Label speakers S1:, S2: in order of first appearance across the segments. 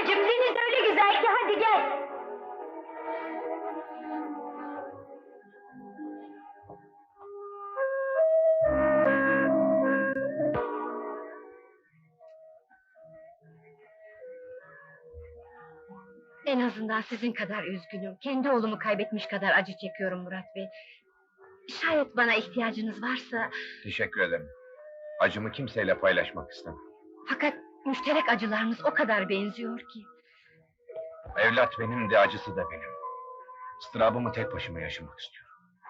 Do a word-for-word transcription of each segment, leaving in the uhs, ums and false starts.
S1: babacığım, deniz öyle güzel ki, hadi gel! En azından sizin kadar üzgünüm, kendi oğlumu kaybetmiş kadar acı çekiyorum Murat Bey. Şayet bana ihtiyacınız varsa...
S2: Teşekkür ederim. Acımı kimseyle paylaşmak istemem.
S1: Fakat müşterek acılarımız o kadar benziyor ki.
S2: Evlat benim de acısı da benim. Istırabımı tek başıma yaşamak istiyorum.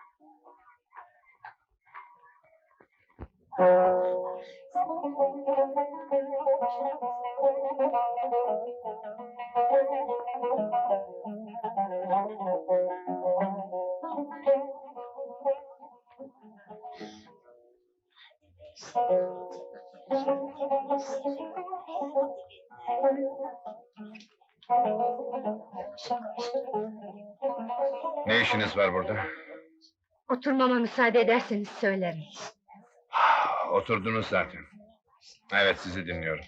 S2: Ne işiniz var burada?
S1: Oturmama müsaade ederseniz söylerim.
S2: Oturdunuz zaten. Evet, sizi dinliyorum.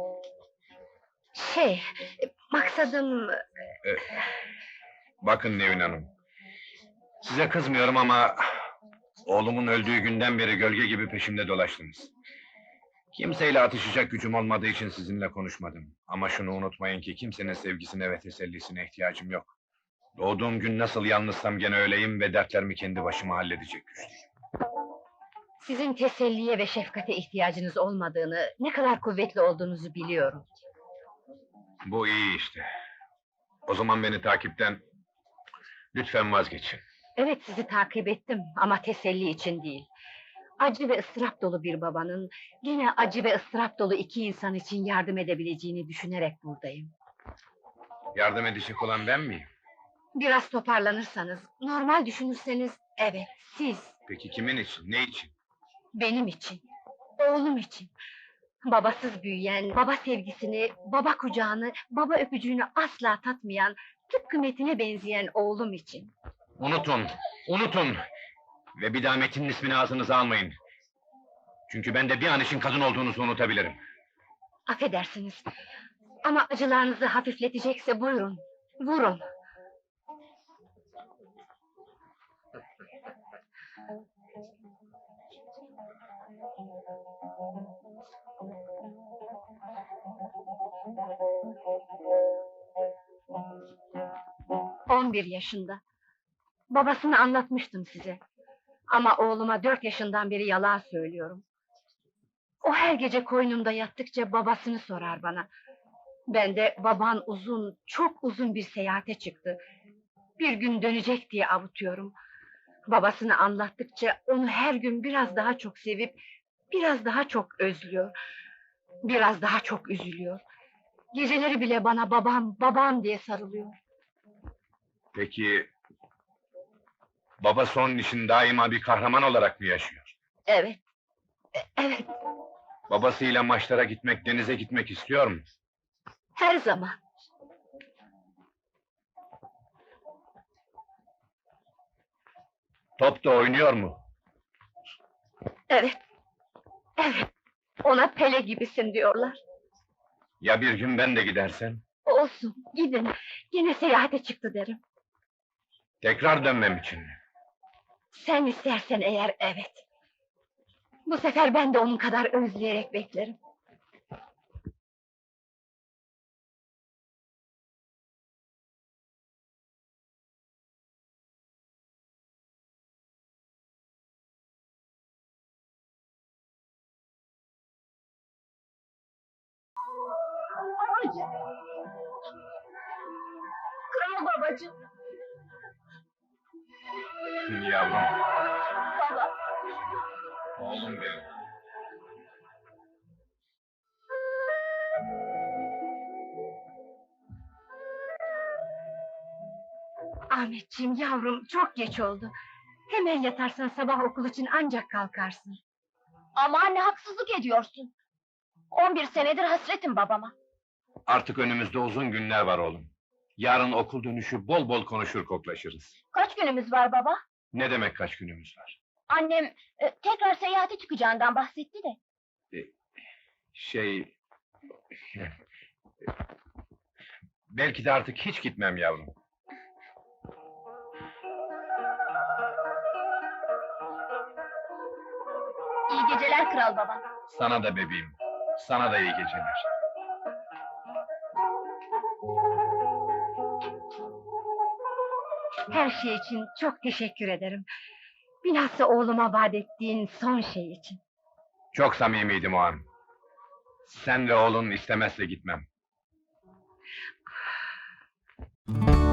S1: Şey, maksadım...
S2: Ee, bakın Nevin Hanım. Size kızmıyorum ama... oğlumun öldüğü günden beri gölge gibi peşimde dolaştınız. Kimseyle atışacak gücüm olmadığı için sizinle konuşmadım. Ama şunu unutmayın ki kimsenin sevgisine ve tesellisine ihtiyacım yok. Doğduğum gün nasıl yalnızsam gene öyleyim ve dertlerimi kendi başıma halledecek güçlüyüm.
S1: Sizin teselliye ve şefkate ihtiyacınız olmadığını, ne kadar kuvvetli olduğunuzu biliyorum.
S2: Bu iyi işte. O zaman beni takipten lütfen vazgeçin.
S1: Evet, sizi takip ettim ama teselli için değil. Acı ve ıstırap dolu bir babanın, gene acı ve ıstırap dolu iki insan için yardım edebileceğini düşünerek buradayım.
S2: Yardım edecek olan ben miyim?
S1: Biraz toparlanırsanız, normal düşünürseniz, evet, siz.
S2: Peki kimin için, ne için?
S1: Benim için, oğlum için. Babasız büyüyen, baba sevgisini, baba kucağını, baba öpücüğünü asla tatmayan, tıpkı Metin'e benzeyen oğlum için.
S2: Unutun, unutun! Ve bir daha Metin'in ismini ağzınıza almayın. Çünkü ben de bir an için kadın olduğunuzu unutabilirim.
S1: Affedersiniz. Ama acılarınızı hafifletecekse buyurun, vurun. On bir yaşında. Babasını anlatmıştım size. Ama oğluma dört yaşından beri yalan söylüyorum. O her gece koynumda yattıkça babasını sorar bana. Ben de baban uzun, çok uzun bir seyahate çıktı. Bir gün dönecek diye avutuyorum. Babasını anlattıkça onu her gün biraz daha çok sevip, biraz daha çok özlüyor. Biraz daha çok üzülüyor. Geceleri bile bana babam, babam diye sarılıyor.
S2: Peki... babası onun için daima bir kahraman olarak mı yaşıyor?
S1: Evet, e- evet,
S2: Babasıyla maçlara gitmek, denize gitmek istiyor mu?
S1: her zaman.
S2: Top da oynuyor mu?
S1: Evet, evet. Ona Pele gibisin diyorlar.
S2: Ya bir gün ben de gidersem?
S1: Olsun, gidin. Yine seyahate çıktı derim.
S2: Tekrar dönmem için mi?
S1: Sen istersen eğer, evet. Bu sefer ben de onun kadar özleyerek beklerim. Kral babacığım.
S2: Yavrum,
S1: Baba.
S2: oğlum benim.
S1: Ahmetciğim yavrum, çok geç oldu. Hemen yatarsan sabah okul için ancak kalkarsın. Ama anne, haksızlık ediyorsun. On bir senedir hasretim babama.
S2: Artık önümüzde uzun günler var oğlum. Yarın okul dönüşü bol bol konuşur koklaşırız.
S1: Kaç günümüz var baba?
S2: Ne demek kaç günümüz var?
S1: Annem e, tekrar seyahate çıkacağından bahsetti de.
S2: Şey... Belki de artık hiç gitmem yavrum.
S1: İyi geceler kral baba.
S2: Sana da bebeğim. Sana da iyi geceler.
S1: Her şey için çok teşekkür ederim. Bilhassa oğluma vaat ettiğin son şey için.
S2: Çok samimiydim o an. Sen ve oğlun istemezse gitmem.